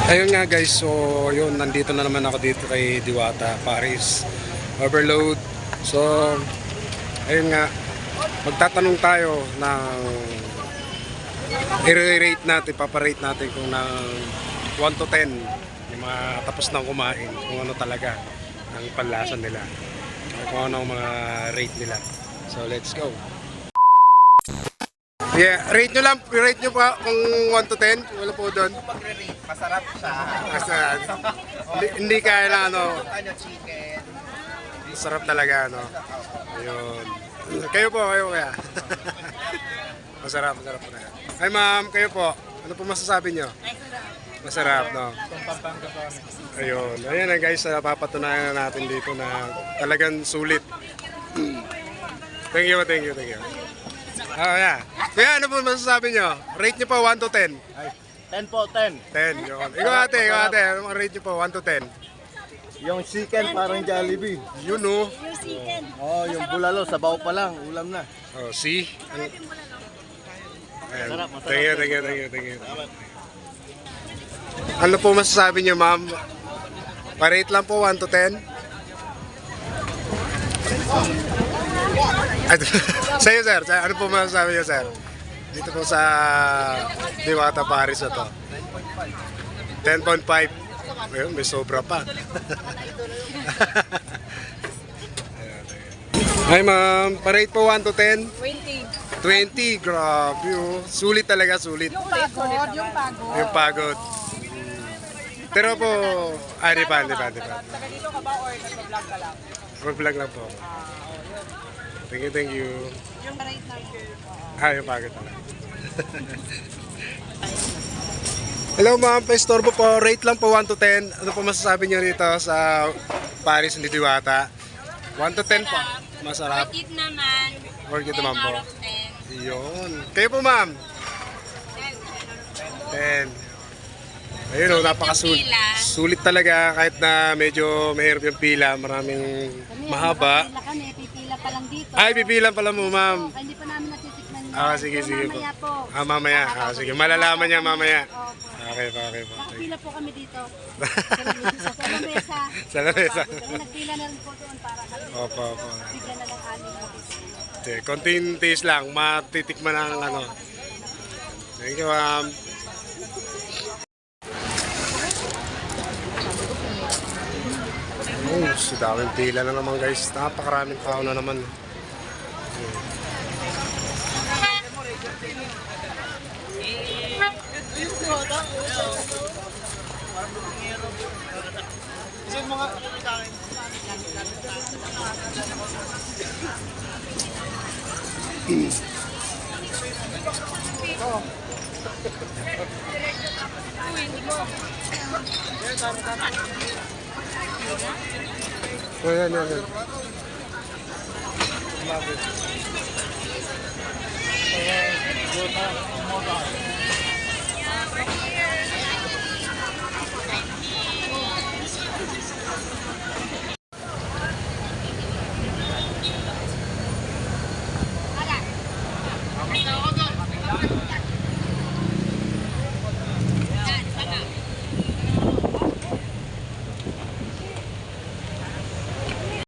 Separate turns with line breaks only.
Ayun nga guys, so yun, nandito na naman ako dito kay Diwata, Paris Overload. So, ayun nga, magtatanong tayo ng i-rate natin, paparate natin kung ng 1 to 10 yung mga tapos nang kumain, kung ano talaga ang panlasa nila, kung ano ang mga rate nila. So, let's go. Yeah, rate nyo lang, rate nyo pa kung 1 to 10, wala po doon.
Masarap siya.
Hindi kaya na ano,
Chicken.
masarap talaga ano. Ayun. Kayo po, kayo kaya. Masarap po na. Ay ma'am, kayo po. Ano po masasabi nyo? Masarap, no? Ayun. Ayan na guys, papatunayan natin dito na talagang sulit. Thank you. Yeah. Kaya ano po masasabi nyo? Rate nyo po 1 to 10.
10 po, 10.
10, yun. Ikaw ate. Ano rate nyo po 1 to 10?
Yung chicken parang Jollibee.
Yun oh.
Oh, yung bulalo, sabaw pa lang, ulam na.
Oh, see? Ayan.
Masarap.
Thank you. Ano po masasabi niyo, ma'am? Pa-rate lang po 1 to 10. Sa'yo, sir. Ano po masasabi niyo, sir? Dito po sa Diwata, Paris na to. 10.5. Ayun, may sobra pa. Hi, ma'am. Pa-rate po 1 to 10. 20, grabe oh. Sulit talaga, sulit.
Yung pagod.
Yung pagod. Pero po, di pa.
Taga dito ka ba or nag-vlog ka lang?
Mag-vlog lang po ako. Thank you.
Yung rate ng
Yung pagod talaga. Hello ma'am, pa-istorbo po. Rate lang po 1 to 10. Ano po masasabi niyo rito sa Paris ni Diwata? 1 to 10 po. Masarap.
Worth it naman.
Worth it
10
naman po.
out of 10.
Yun. Kayo po ma'am? 10. Ayun o, napakasulit.
Pila.
Sulit talaga kahit na medyo mahirap yung pila. Maraming mahaba.
Pipila kami, pipila pa lang dito.
Ay, pipilan pala mo ma'am.
Hindi pa namin natitikman yan.
Sige po.
Mamaya po.
Mamaya. Sige, malalaman niya mamaya.
Opo.
Okay po.
Nakapila po kami dito. Sa lamesa.
Sa lamesa.
Kami nagpila na rin po doon para kami.
Opo.
Bigla na lang amin po.
Okay, konting taste lang. Matitikman ang ano. Thank you ma'am. Oh, si daming pila na naman guys. Napakaraming tao na naman. Yan.